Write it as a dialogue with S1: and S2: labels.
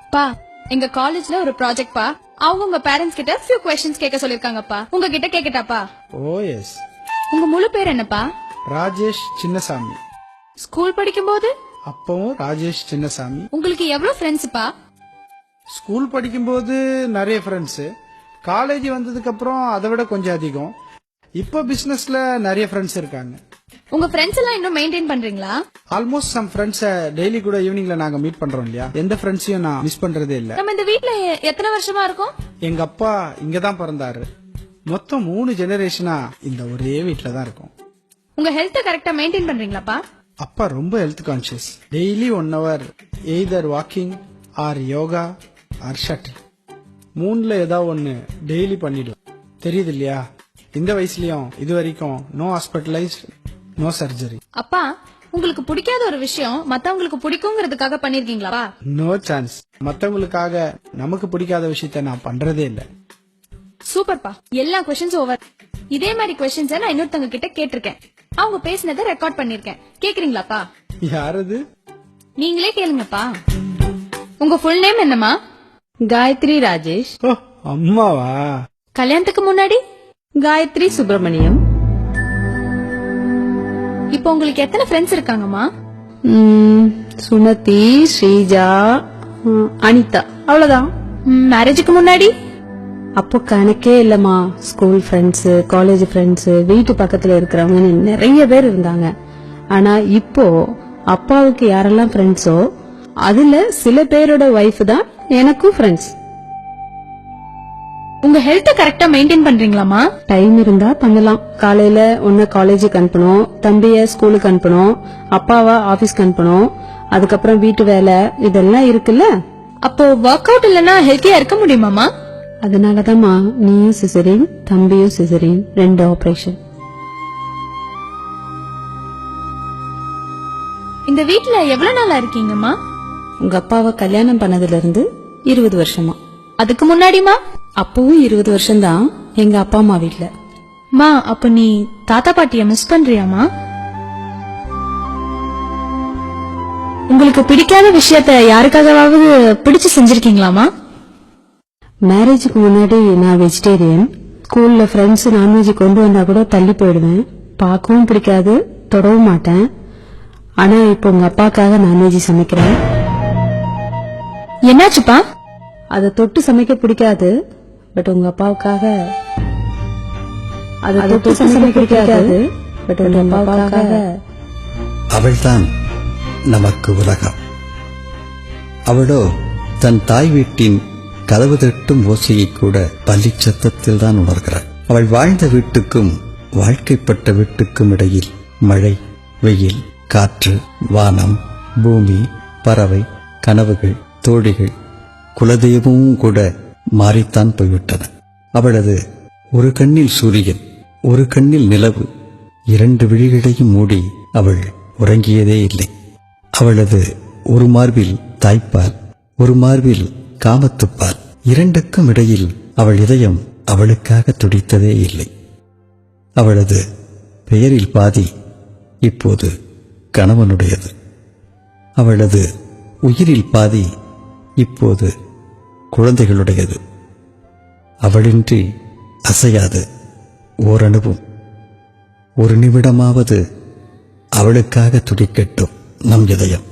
S1: பா எங்க காலேஜ்ல ஒரு ப்ராஜெக்ட் பா அவங்க உங்க பேரண்ட்ஸ் கிட்ட few questions கேட்க சொல்லிருக்காங்கப்பா. உங்ககிட்ட கேக்கட்டாப்பா?
S2: ஓ எஸ்.
S1: உங்க முழு பேர் என்னப்பா?
S2: ராஜேஷ் சின்னசாமி.
S1: ஸ்கூல் படிக்கும்போது
S2: அப்பவும் ராஜேஷ் சின்னசாமி.
S1: உங்களுக்கு எவ்வளவு ஃப்ரெண்ட்ஸ்ப்பா?
S2: ஸ்கூல் படிக்கும்போது நிறைய ஃப்ரெண்ட்ஸ், காலேஜ் வந்ததுக்கு அப்புறம் அதை விட கொஞ்சம் அதிகம். இப்போ பிசினஸ்ல நிறைய ஃப்ரெண்ட்ஸ் இருக்காங்க.
S1: உங்க ஃப்ரெண்ட்ஸ் எல்லாம் இன்னும் மெயின்டைன் பண்றீங்களா?
S2: ஆல்மோஸ்ட் சம் ஃப்ரெண்ட்ஸ் டெய்லி கூட ஈவினிங்ல நாங்க மீட் பண்றோம் இல்லையா, எந்த ஃப்ரெண்ட்ஸையும் நான் மிஸ் பண்றதே இல்ல.
S1: நம்ம இந்த வீட்ல எத்தனை வருஷமா இருக்கோம்?
S2: எங்க அப்பா இங்கதான் பிறந்தாரு. மொத்தம் 3 ஜெனரேஷனா இந்த ஒரே வீட்ல தான் இருக்கோம்.
S1: உங்க ஹெல்த் கரெக்டா மெயின்டைன் பண்றீங்களாப்பா?
S2: அப்பா ரொம்ப health conscious. Daily 1 hour either walking or yoga or shuttle, 3ல ஏதாவது ஒன்னு டெய்லி பண்ணிடுவோம். தெரியுது இல்லையா, இந்த வயசுலயும் இது வரைக்கும் நோ ஹாஸ்பிட்டலைஸ்ட், நோ சர்ஜரி.
S1: அப்பா உங்களுக்கு பிடிக்காத ஒரு விஷயம் மத்தவங்களுக்கு பிடிக்குங்கிறதுக்காக பண்ணிருக்கீங்களா?
S2: No chance. மத்தவங்களுக்காக நமக்கு பிடிக்காத விஷயத்த நான் பண்றதே இல்ல.
S1: சூப்பர்ப்பா, எல்லா क्वेश्चंस ஓவர். இதே மாதிரி क्वेश्चंस நான் இன்னொருத்தங்க கிட்ட கேட்டிருக்கேன். அவங்க பேசினதை ரெக்கார்ட் பண்ணிருக்கேன். கேக்குறீங்களாப்பா?
S2: யாரது?
S1: நீங்களே கேளுங்கப்பா. உங்க ஃபுல் நேம் என்னமா?
S3: காயத்ரி ராஜேஷ்.
S2: ஓ அம்மாவா?
S1: கல்யாணத்துக்கு முன்னாடி
S3: காயத்ரி சுப்பிரமணியம்.
S1: இப்போ உங்களுக்கு எத்தனை ஃப்ரெண்ட்ஸ் இருக்காங்கம்மா?
S3: சுமதி, ஸ்ரீஜா, அனிதா, அவ்வளவுதான்.
S1: மேரேஜுக்கு முன்னாடி?
S3: அப்போ கணக்கே இல்லம்மா. ஸ்கூல் ஃப்ரெண்ட்ஸ், காலேஜ் ஃப்ரெண்ட்ஸ், வீட்டு பக்கத்துல இருக்கிறவங்க நிறைய பேர் இருந்தாங்க. ஆனா இப்போ அப்பாவுக்கு யாரெல்லாம் ஃப்ரெண்ட்ஸோ அதுல சில பேரோட ஒய்ஃப் தான் எனக்கும் ஃப்ரெண்ட்ஸ்.
S1: உங்க ஹெல்த் கரெக்டா மெயின்டைன் பண்றீங்களாமா?
S3: டைம் இருந்தா பண்ணலாம். காலையில ஒன்னு காலேஜுக்கு அனுப்பணும், தம்பிய ஸ்கூலுக்கு அனுப்பணும், அப்பாவா ஆபீஸ்க்கு அனுப்பணும், அதுக்கப்புறம் வீட்டு வேலை இதெல்லாம் இருக்குல்ல.
S1: அப்போ ஒர்க் அவுட் இல்லனா ஹெல்த்தியா இருக்க முடியுமாமா?
S3: அதனாலதான்மா நீயும் சிசரின், தம்பியும் சிசரின், 2 ஆபரேஷன்.
S1: இந்த வீட்ல எவ்வளவு நாளா இருக்கீங்கம்மா?
S3: உங்க அப்பாவை கல்யாணம் பண்ணதுல இருந்து 20 வருஷமா.
S1: அதுக்கு முன்னாடிமா?
S3: அப்பவும் 20 வருஷம்தான் எங்க அப்பா அம்மா வீட்ல.
S1: மா அப்ப நீ தாத்தா பாட்டிய மிஸ் பண்றியாமா? உங்களுக்கு பிடிக்காத விஷயத்த யாருக்காகவாவது பிடிச்சு செஞ்சிருக்கீங்களாமா?
S3: மேரேஜுக்கு முன்னாடி நான் வெஜிடேரியன். ஸ்கூல்ல ஃப்ரெண்ட்ஸ் நான்வெஜ் கொண்டு வந்தா கூட தள்ளி போயிடுவேன். பார்க்கவும் பிடிக்காது, தொடவும் மாட்டேன். ஆனா இப்போ உங்க அப்பாக்காக நான்வெஜ் சமைக்கிறேன்.
S1: என்னாச்சுப்பா?
S3: அதை தொட்டு சமைக்க பிடிக்காது, பட் உங்க அப்பாவுக்காக. அதை தொட்டு சமைக்க பிடிக்காது, பட் உங்க அப்பாவுக்காக.
S4: அவள்தான் நமக்கு உலகம். அவளோ தன் தாய் வீட்டின் கதவு தட்டும் ஓசையை கூட பள்ளி சத்தத்தில் தான் உணர்கிறாள். அவள் வாழ்ந்த வீட்டுக்கும் வாழ்க்கைப்பட்ட வீட்டுக்கும் இடையில் மழை, வெயில், காற்று, வானம், பூமி, பறவை, கனவுகள், தோழிகள், குலதெய்வமும் கூட மாறித்தான் போய்விட்டன. அவளது ஒரு கண்ணில் சூரியன், ஒரு கண்ணில் நிலவு, 2 விழிகளையும் மூடி அவள் உறங்கியதே இல்லை. அவளது ஒரு மார்பில் தாய்ப்பால், ஒரு மார்பில் காமத்துப்பால், 2க்கும் இடையில் அவள் இதயம் அவளுக்காக துடித்ததே இல்லை. அவளது பெயரில் பாதி இப்போது கணவனுடையது. அவளது உயிரில் பாதி இப்போது குழந்தைகளுடையது. அவளின்றி அசையாது ஓரணுவும். ஒரு நிமிடமாவது அவளுக்காக துடிக்கட்டும் நம் இதயம்.